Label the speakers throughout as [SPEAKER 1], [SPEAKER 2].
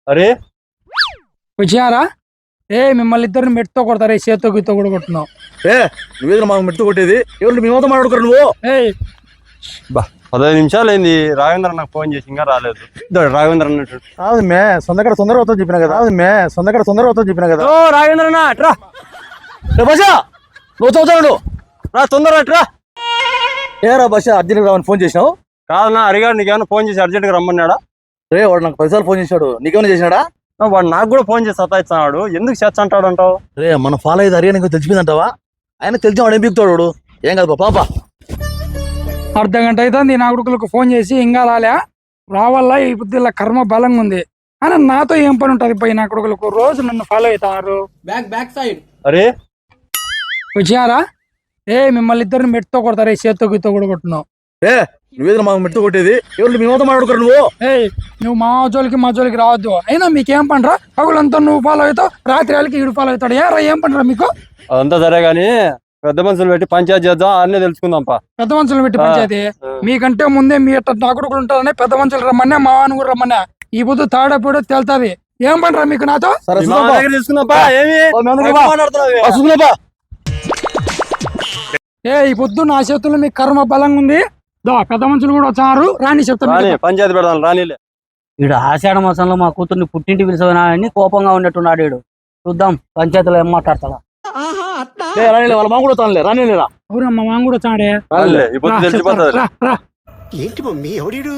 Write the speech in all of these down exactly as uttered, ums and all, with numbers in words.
[SPEAKER 1] అరే
[SPEAKER 2] వచ్చారా? ఏ మిమ్మల్ని ఇద్దరిని మెట్టుతో కొడతారు, చేత్తో గిత్తో కూడా కొట్టున్నావు.
[SPEAKER 3] ఏ నువ్వేదో మాకు మెట్టు కొట్టేది, ఎవరు మేమతో మాట్లాడుకోరు నువ్వు.
[SPEAKER 2] ఏయ్
[SPEAKER 1] బా పదహైదు నిమిషాలు అయింది, రాఘవేంద్ర నాకు ఫోన్ చేసి ఇంకా రాలేదు. రాఘవేంద్ర అన్నట్టు
[SPEAKER 3] కాదు మే సొందకడ తొందర అవుతావు చెప్పినా కదా. అది మే సొందకడ తొందర అవుతావు చెప్పినా కదా.
[SPEAKER 1] ఓ రాఘవేంద్ర అన్న అట్రా
[SPEAKER 3] బసా నువ్వు చదువుతాడు
[SPEAKER 1] రా తొందర అట్రా.
[SPEAKER 3] ఏరా బస అర్జెంట్గా రావని ఫోన్ చేసినావు?
[SPEAKER 1] కాదన్నా అడిగాడు, నీకేమైనా ఫోన్ చేసి అర్జెంట్గా రమ్మన్నాడా?
[SPEAKER 3] రే వాడు నాకు పదిసార్లు ఫోన్ చేశాడు, నీకేమైనా చేసినాడా?
[SPEAKER 1] వాడు నాకు కూడా ఫోన్ చేసి సతాయిస్తున్నాడు. ఎందుకు చేస్తా అంటాడు అంటావు?
[SPEAKER 3] రే మన ఫాలో అయితే అరిగా నీకు తెలిసిపోయిందంటావా? ఆయన తెలిసి వాడు ఏం పీకుతాడు వాడు. ఏం కాదు పాప.
[SPEAKER 2] అర్ధ గంట అవుతుంది నా కొడుకులకు ఫోన్ చేసి ఇంకా రాలే, రావాలా ఈ బుద్ధిలో కర్మ బలంగా ఉంది అని నాతో ఏం పని ఉంటుంది? పోయి నా కొడుకులకు రోజు నన్ను ఫాలో అవుతారు.
[SPEAKER 4] బ్యాక్ బ్యాక్ సైడ్
[SPEAKER 1] అరే
[SPEAKER 2] వచ్చారా? ఏ మిమ్మల్ని ఇద్దరిని మెట్టుతో కొడతారు, చేత్తో గిత్తో కూడా కొట్టున్నావు.
[SPEAKER 3] రే నువ్వేదో మాకు మెట్టు కొట్టేది, ఎవరు మేమతో మాట్లాడుకోరు నువ్వు.
[SPEAKER 2] ఏయ్ నువ్వు మా జోలికి మా జోలికి రావద్దు. అయినా మీకేం పండ్రా? పగులంతా నువ్వు ఫాలో అవుతావు, రాత్రి వాళ్ళకి ఈడు ఫాలో అవుతాడు. ఏరా ఏం పండ్రా మీకు?
[SPEAKER 1] అదంతా సరే గాని పెద్ద మనుషులు పెట్టి పంచాయతీ చేద్దాం, అన్నీ తెలుసుకుందాంపా.
[SPEAKER 2] పెద్ద మనుషులు పెట్టి పంచాయతీ మీకంటే ముందే మీ అట్ట నా కొడుకులు ఉంటారని పెద్ద మనుషులు రమ్మన్నా, మా వాని కూడా రమ్మన్నా. ఈ పొద్దు తాడపూడో తేలుతుంది. ఏం పండ్రా మీకు నాతో?
[SPEAKER 3] సరే
[SPEAKER 1] మా దగ్గర తీసుకుందాంపా. ఏమి
[SPEAKER 3] మాట్లాడుతున్నావు?
[SPEAKER 2] ఏ ఈ పొద్దు నా చేతుల్లో మీ కర్మ బలంగా ఉంది. దో పెద్ద మనుషులు కూడా వచ్చారు, రాని చెప్తాను.
[SPEAKER 1] రాని పంచాయతీ పెడదాం రానిలే.
[SPEAKER 4] వీడు ఆషాఢ మాసంలో మా కూతుర్ని పుట్టింటి పిలిచినా అని కోపంగా ఉన్నట్టున్నాడు వీడు. చూద్దాం పంచాయతీలో ఏం మాట్లాడతాడా.
[SPEAKER 3] రానిలే వాళ్ళ మా కూడా తానులే రానిలేరా.
[SPEAKER 2] అవునమ్మా మా కూడా వచ్చాడే.
[SPEAKER 1] రానిలే ఇప్పుడు తెలిసిపోతుంది.
[SPEAKER 2] రా, రా.
[SPEAKER 5] ఏంటి మమ్మీ ఎవడీడు?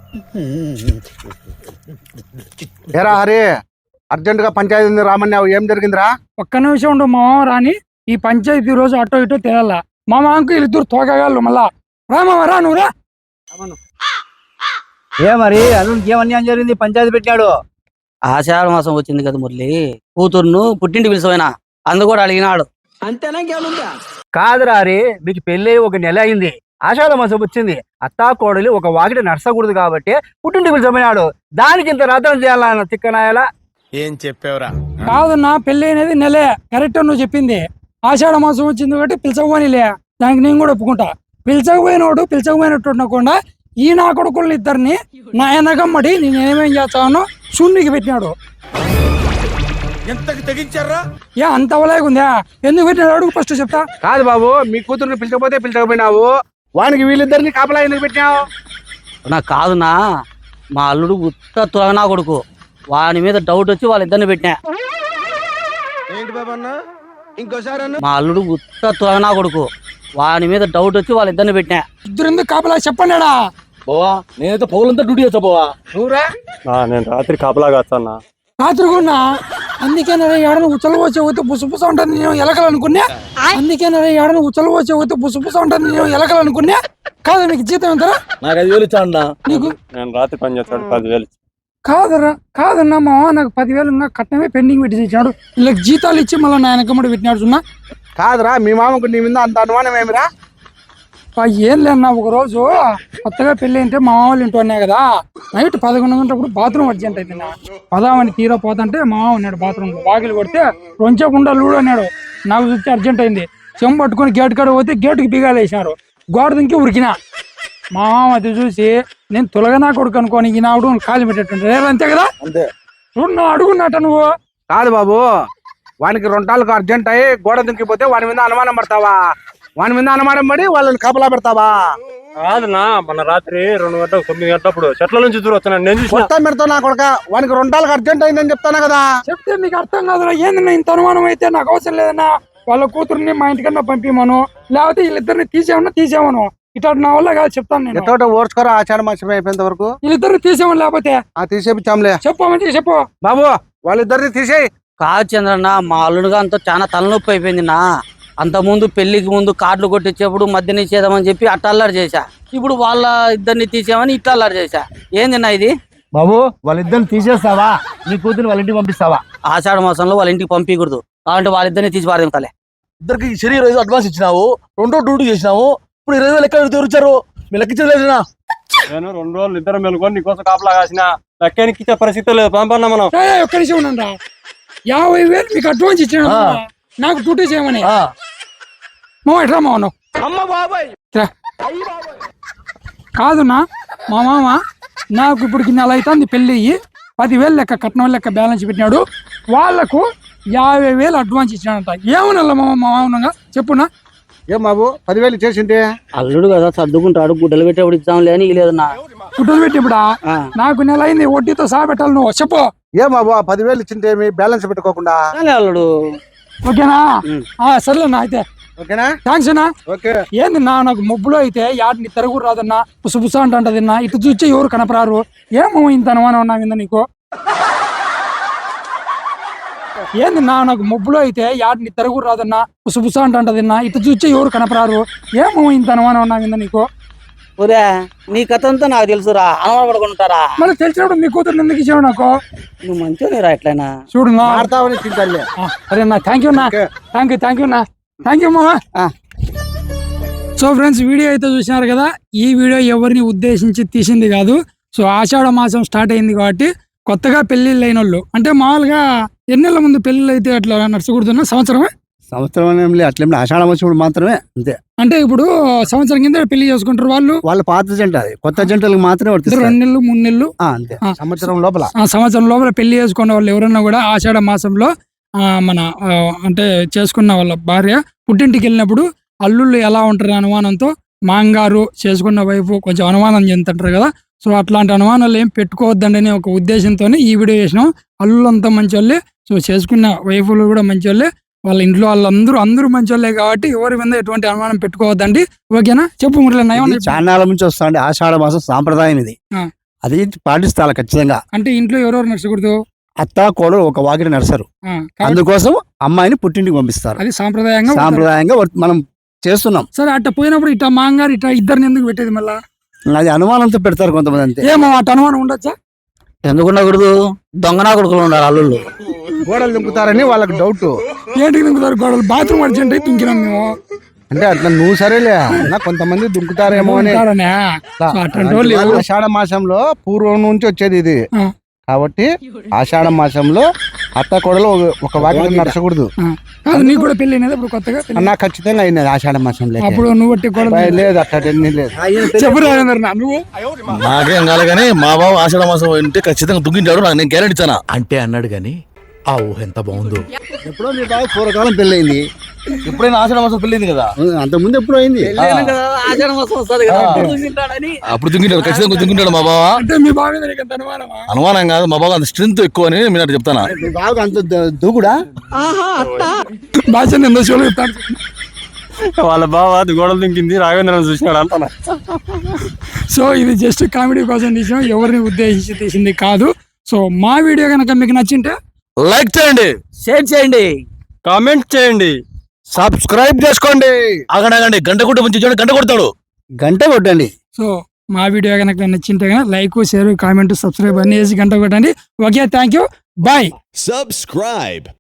[SPEAKER 6] ఏరా హరి, అర్జెంట్ గా పంచాయతీ రామన్నావు, ఏం జరిగిందిరా?
[SPEAKER 2] ఒక్క నిమిషం ఉండు మా మామ రాని. ఈ పంచాయతీ రోజు అటో ఇటో తేలాల. మా మామకు వీళ్ళిద్దరు తోకగాళ్ళు మళ్ళా. రా మామ రా, నువ్వు రా.
[SPEAKER 4] ఏ మరి అల్లుడికి ఏమన్యాయం జరిగింది? పంచాయతీ పెట్టాడు. ఆషాఢ మాసం వచ్చింది కదా మురళి, కూతుర్ను పుట్టింటి పిలిచిపోయినా అందు కూడా అడిగినాడు.
[SPEAKER 6] కాదురా హరి, మీకు పెళ్లి ఒక నెల అయింది, ఆషాఢ మాసం వచ్చింది, అత్తా కోడలి ఒక వాకిట నడసకూడదు కాబట్టి పుట్టింటి పిలిచిపోయినాడు. దానికి ఇంత రథం చేయాలన్న తిక్కనాయలా.
[SPEAKER 5] ఏం చెప్పావురా?
[SPEAKER 2] కాదు నా పెళ్లి అనేది నెలే, కరెక్ట్ నువ్వు చెప్పింది. ఆషాఢ మాసం వచ్చింది కాబట్టి పిలిచకపోనిలే, దానికి నేను కూడా ఒప్పుకుంటా. పిలిచకపోయినోడు పిలిచకపోయినట్టు ఉండకుండా ఈ నా కొడుకుల్ని ఇద్దరిని నా ఎనగమ్మడి నేను ఏమేం చేస్తానో శూన్యకి పెట్టినాడు.
[SPEAKER 5] ఎంతకి తెగించారా?
[SPEAKER 2] ఏ అంత అవలేకుందా? ఎందుకు పెట్టినాడు అడుగు ఫస్ట్ చెప్తా.
[SPEAKER 6] కాదు బాబు, మీ కూతుర్ని పిలిచకపోతే పిలిచకపోయినావు, వానికి వీళ్ళిద్దరిని కాపలా ఎందుకు పెట్టినావు?
[SPEAKER 4] నాకు కాదునా, మా అల్లుడు ఉత్త త్వరనా కొడుకు, వాని మీద డౌట్ వచ్చి వాళ్ళిద్దరిని పెట్టినా.
[SPEAKER 5] ఏంటి బాబా అన్న ఇంకోసారి అన్న?
[SPEAKER 4] మా అల్లుడు ఉత్త త్వరనా కొడుకు, వాని మీద డౌట్ వచ్చి వాళ్ళిద్దరిని పెట్టినా.
[SPEAKER 2] ఇద్దరు ఎందుకు కాపలా చెప్పండిడా?
[SPEAKER 3] బావా నేనైతే పౌలంతా డ్యూటీ వచ్చా బావా.
[SPEAKER 2] నువ్వురా
[SPEAKER 1] ఆ, నేను రాత్రి కాపలా కాస్తానా.
[SPEAKER 2] రాత్రికున్నా అందుకే ఏడన ఉచ్చలు వచ్చే పోతే బుసబుస ఉంటుంది నేను ఎలకలనుకున్నా. అందుకే ఏడన ఉచ్చలు వచ్చే పోతే బుసబుస ఉంటుంది నేను ఎలకలనుకున్నా. కాదు నీకు జీతం ఎంతరా?
[SPEAKER 3] నాకు ఐదు వేలు ఇచ్చా అన్నా.
[SPEAKER 2] నీకు
[SPEAKER 1] నేను రాత్రి పని చేస్తాడు పదివేలు.
[SPEAKER 2] కాదరా కాదన్నా మా నాకు పదివేలు ఇంకా కట్నమే పెండింగ్ పెట్టి ఇచ్చాడు. వీళ్ళకి జీతాలు ఇచ్చి మళ్ళీ నా వెనకమ్మడి పెట్టినాడు. సున్నా
[SPEAKER 6] కాదురా, మీ మామకు నీ మీద అంత అనుమానం ఏమిరా?
[SPEAKER 2] ఏం లేదన్నా, ఒక రోజు కొత్తగా పెళ్లి అంటే మా మామూలు ఇంటి ఉన్నాయి కదా, నైట్ పదకొండు గంటలప్పుడు బాత్రూమ్ అర్జెంట్ అయితే పదామని తీరా పోతుంటే మా మామ ఉన్నాడు బాత్రూమ్ లో. వాకిలు కొడితే రొంచకుండా లూడు అన్నాడు. నాకు చూస్తే అర్జెంట్ అయింది, చెంబు పట్టుకుని గేట్ కాడ పోతే గేటుకి బిగాలు వేసినారు. గోడ దింకి ఉరికినా. మా మామ అది చూసి నేను తొలగనా కొడుకు అనుకోని ఈనాడు కాలు పెట్టేట్టుంటే అంతే కదా.
[SPEAKER 3] అంతే
[SPEAKER 2] చూడు నా అడుగున్నట్ట నువ్వు.
[SPEAKER 6] కాదు బాబు, వానికి రెండాళ్ళకు అర్జెంట్ అయ్యి గోడ దుంకిపోతే వాని మీద అనుమానం పడతావా? వాని మీద అనుమానం పడి వాళ్ళని కాపలా పెడతావా?
[SPEAKER 1] కాదన్నా, మన రాత్రి రెండు గంటలకు తొమ్మిది గంటలప్పుడు చెట్ల నుంచి దూరం వస్తున్నాను నేను చూసిన.
[SPEAKER 6] మొత్తం పెడతావు నా కొడుక, వానికి రెండాళ్ళకి అర్జెంట్ అయిందని చెప్తాను కదా.
[SPEAKER 2] చెప్తే మీకు అర్థం కాదురా. ఏందన్నా ఇంత అనుమానం అయితే నాకు అవసరం లేదన్నా. వాళ్ళ కూతుర్ని మా ఇంటికన్నా పంపిమను, లేకపోతే వీళ్ళిద్దరిని తీసేమన్నా తీసేమను. ఇట్లా నా వల్ల కాదు చెప్తాను నేను.
[SPEAKER 6] ఎత్తోట ఓర్చుకోరా, ఆచారం మాసం అయిపోయేంత వరకు.
[SPEAKER 2] వీళ్ళిద్దరిని తీసేమని లేకపోతే
[SPEAKER 6] ఆ తీసేపిచ్చాంలే.
[SPEAKER 2] చెప్పమంటే చెప్పు
[SPEAKER 6] బాబు, వాళ్ళిద్దరిని తీసేయి.
[SPEAKER 4] కాదు చంద్రన్న, మా అల్లుడుగా అంతా చాలా తలనొప్పి అయిపోయింది నా. అంత ముందు పెళ్లికి ముందు కార్డులు కొట్టించేప్పుడు మధ్య నిషేధం అని చెప్పి అట్ట అల్లరి చేశా. ఇప్పుడు వాళ్ళ ఇద్దరిని తీసేమని ఇట్లా అల్లరి చేశా. ఏందిన్నా ఇది?
[SPEAKER 6] బాబు, వాళ్ళిద్దరిని తీసేస్తావా? నీ కూతురు వాళ్ళ ఇంటికి పంపిస్తావా?
[SPEAKER 4] ఆషాఢ మాసంలో వాళ్ళ ఇంటికి పంపించకూడదు, కాబట్టి వాళ్ళిద్దరిని తీసి పారేంతలే.
[SPEAKER 3] ఇద్దరికి శరీరం ఐదు అడ్వాన్స్ ఇచ్చినావు, రెండో డ్యూటీ చేసినావు, ఇప్పుడు ఇరవై వేలు ఎక్కడ తెరిచారు? మీరు లెక్కించలేదునా?
[SPEAKER 1] నేను రెండు రోజులు ఇద్దరు మెలుకొని నీకోసం కాపలా కాసిన లెక్కనికి ఇచ్చే పరిస్థితి లేదు. పంపన్నా మనం.
[SPEAKER 2] ఒక్క నిమిషం ఉండండి. యాభై వేలు మీకు అడ్వాన్స్ ఇచ్చాను నాకు డ్యూటీ చేయమని. మా ఎట్లా మాను కాదునా మా మామ నాకు ఇప్పుడు నెల అవుతుంది పెళ్ళి అయ్యి. పదివేలు లెక్క కట్నం లెక్క బ్యాలెన్స్ పెట్టినాడు. వాళ్లకు యాభై వేలు అడ్వాన్స్ ఇచ్చినాడంట. ఏమన్నా మా మామూలుగా చెప్పున్నా?
[SPEAKER 6] ఏం బాబు పదివేలు చేసింటే
[SPEAKER 4] అల్లుడు కదా సర్దుకుంటాడు, గుడ్డలు పెట్టేప్పుడు ఇద్దాంలే అని లేదన్నా.
[SPEAKER 2] గుడ్డలు పెట్టిప్పుడా? నాకు నెల అయింది, వడ్డీతో సహా పెట్టాలి. నువ్వు చెప్పు.
[SPEAKER 6] ఏం బాబు ఆ పదివేలు ఇచ్చింటే మీ బ్యాలెన్స్ పెట్టుకోకుండా
[SPEAKER 4] అల్లుడు
[SPEAKER 2] ఓకేనా? సర్లేనా అయితే.
[SPEAKER 6] ఓకేనా?
[SPEAKER 2] థ్యాంక్స్ అన్నా.
[SPEAKER 6] ఓకే.
[SPEAKER 2] ఏంది నా నాకు మొబ్బులో అయితే యాడిని తిరగూరు రాదన్నా, పుసపుస అంటదిన్నా. ఇటు చూస్తే ఎవరు కనపరారు. ఏమో ఇంత అనుమానం ఉన్నా మీద నీకు? ఏంది నా నాకు మొబ్బులో అయితే యాడిని తిరగూరు రాదన్నా, పుసపుస అంటదిన్నా. ఇటు చూస్తే ఎవరు కనపరారు. ఏమో ఇంత అనుమానం ఉన్నా మీద నీకు?
[SPEAKER 4] ఒరే నీ కథ అంతా నాకు తెలుసురా, అనుమాన పడుకుంటారా?
[SPEAKER 2] మళ్ళీ తెలిసినప్పుడు మీ కూతురు ఎందుకు ఇచ్చావు నాకు?
[SPEAKER 4] నువ్వు మంచిగా రా ఎట్లయినా
[SPEAKER 2] చూడు నా.
[SPEAKER 6] ఆడతావని తింటాలే.
[SPEAKER 2] అరే నా థ్యాంక్ యూ నా. థ్యాంక్ యూ థ్యాంక్ యూ నా. థ్యాంక్ యూ మామా. సో ఫ్రెండ్స్, వీడియో అయితే చూసినారు కదా. ఈ వీడియో ఎవరిని ఉద్దేశించి తీసింది కాదు. సో ఆషాఢ మాసం స్టార్ట్ అయింది కాబట్టి కొత్తగా పెళ్లిళ్ళు అయిన వాళ్ళు, అంటే మామూలుగా ఎన్నెళ్ళ ముందు పెళ్లిళ్ళు అయితే అట్లా నడుచుకుంటున్నా సంవత్సరమే
[SPEAKER 6] సంవత్సరం ఏం లేదు, అట్లేం ఆషాఢ మాసం మాత్రమే అంతే.
[SPEAKER 2] అంటే ఇప్పుడు సంవత్సరం కింద పెళ్లి చేసుకుంటారు వాళ్ళు.
[SPEAKER 6] వాళ్ళ పాత జంట అది, కొత్త జంటలకు మాత్రమే వర్తిస్తుంది.
[SPEAKER 2] రెండు నెలలు మూడు నెలలు
[SPEAKER 6] అంతే. సంవత్సరం లోపల
[SPEAKER 2] ఆ సంవత్సరం లోపల పెళ్లి చేసుకున్న వాళ్ళు ఎవరన్నా కూడా ఆషాఢ మాసంలో ఆ మన ఆ, అంటే చేసుకున్న వాళ్ళ భార్య పుట్టింటికి వెళ్ళినప్పుడు అల్లుళ్ళు ఎలా ఉంటారు అనుమానంతో మాంగారు చేసుకున్న వైపు కొంచెం అనుమానం చెందుతుంటారు కదా. సో అట్లాంటి అనుమానాలు ఏం పెట్టుకోవద్దండి అనే ఒక ఉద్దేశంతో ఈ వీడియో చేసినాం. అల్లుళ్ళంతా మంచి వాళ్ళే, సో చేసుకున్న వైఫులు కూడా మంచి వాళ్ళే, వాళ్ళ ఇంట్లో వాళ్ళందరూ అందరూ మంచి వాళ్ళే కాబట్టి ఎవరి మీద ఎటువంటి అనుమానం పెట్టుకోవద్దండి. ఓకేనా? చెప్పు మురళి.
[SPEAKER 6] చాన్నాళ్ళ నుంచి వస్తాండి ఆషాఢ మాసం సాంప్రదాయం ఇది.
[SPEAKER 2] ఆ.
[SPEAKER 6] అది పాటిస్తాను ఖచ్చితంగా.
[SPEAKER 2] అంటే ఇంట్లో ఎవరెవరు నచ్చకూడదు?
[SPEAKER 6] అత్త కోడలు ఒక వాకిట నడసరు.
[SPEAKER 2] ఆ, కాబట్టి
[SPEAKER 6] అందుకోసం అమ్మాయిని పుట్టింటికి పంపిస్తారు.
[SPEAKER 2] అది సాంప్రదాయంగా ఉంటుంది.
[SPEAKER 6] సాంప్రదాయంగా వర్త- మనం చేస్తున్నాం.
[SPEAKER 2] సరే అట్ట పోయినప్పుడు ఇట్లా మాంగారు ఇట్లా ఇద్దరిని ఎందుకు పెట్టేది మళ్ళా?
[SPEAKER 6] అది అనుమానంతో పెడతారు కొంతమంది అంతే.
[SPEAKER 2] ఏమో అట్ట అనుమానం ఉండొచ్చా?
[SPEAKER 4] ఎందుకు ఉండకూడదు? దొంగనా కొడుకులు ఉండాలి అల్లుళ్ళు.
[SPEAKER 6] గోడలు దింపుతారని వాళ్ళకి డౌట్.
[SPEAKER 2] ఏంటికి దింకుతారు గోడలు? బాత్రూమ్ అర్జెంట్ అయితే దుంకినాం మేము.
[SPEAKER 6] అంటే అట్లా నువ్వు సరేలే అన్నా, కొంతమంది దుంకుతారేమో అని.
[SPEAKER 2] ఉంటారనే. సో అట్లాంటి వాళ్ళు ఎవరు?
[SPEAKER 6] ఆషాఢ మాసంలో పూర్వం నుంచి వచ్చేది ఇది
[SPEAKER 2] ఆ,
[SPEAKER 6] కాబట్టి ఆషాఢ మాసంలో అత్త కోడలు ఒక- ఒక వాకిట నడచకూడదు.
[SPEAKER 2] ఆ. కాదు, నీకు కూడా పెళ్లి అయినది ఇప్పుడు కొత్తగా పెళ్లి?
[SPEAKER 6] అన్నా ఖచ్చితంగా అయినది ఆషాఢ మాసంలో.
[SPEAKER 2] అప్పుడు నువ్వు బట్టి గోడలు
[SPEAKER 6] లేదు అట్లా లేదు.
[SPEAKER 2] చెప్పు రాజేంద్ర నా, నువ్వు
[SPEAKER 3] నాకేం కాలే కానీ మా బావ ఆషాఢ మాసం అంటే ఖచ్చితంగా దుగ్గింటాడు, నాకు నేను గ్యారెంటీ ఇస్తాను.
[SPEAKER 5] అంటే అన్నాడు గాని ఆ ఊహ ఎంత బాగుందో.
[SPEAKER 6] ఎప్పుడో మీ బాగా పూర్వకాలం పెళ్లి అయింది.
[SPEAKER 3] ఎప్పుడైనా ఆషాఢ మాసం పెళ్ళింది కదా,
[SPEAKER 6] అంత ముందు ఎప్పుడో అయింది.
[SPEAKER 4] ఆషాఢ మాసం వస్తుంది కదా, అప్పుడు దుంకింటాడని.
[SPEAKER 3] అప్పుడు దుంగింటాడు, ఖచ్చితంగా దుంగింటాడు మా బావ.
[SPEAKER 2] అంటే మీ బావి మీద నీకు ఎంత అనుమానమా?
[SPEAKER 3] అనుమానం కాదు, మా బావ అంత స్ట్రెంత్ ఎక్కువ అని నేను అట్లా చెప్తాను.
[SPEAKER 6] మీ బాగా అంత ద- దూకుడా?
[SPEAKER 2] భాష ఎంత షోలు చెప్తాను.
[SPEAKER 1] వాళ్ళ బావ అది గోడలు దింకింది, రాఘవేంద్రని చూసినాడు అంతా.
[SPEAKER 2] సో ఇది జస్ట్ కామెడీ కోసం తీసాం, ఎవరిని ఉద్దేశించి తీసింది కాదు. సో మా వీడియో కనుక మీకు నచ్చింటే
[SPEAKER 3] లైక్ చేయండి,
[SPEAKER 4] షేర్ చేయండి,
[SPEAKER 1] కామెంట్ చేయండి,
[SPEAKER 6] సబ్స్క్రైబ్ చేసుకోండి.
[SPEAKER 3] ఆగడాగండి, గంట కొట్టి మంచి చూడండి, గంట కొడతాడు.
[SPEAKER 6] గంట కొట్టండి.
[SPEAKER 2] సో మా వీడియో కనుక నచ్చింటే కనుక లైక్, షేర్, కామెంట్, సబ్స్క్రైబ్ అన్ని వేసి గంట కొట్టండి. Okay, thank you, bye.
[SPEAKER 7] Subscribe.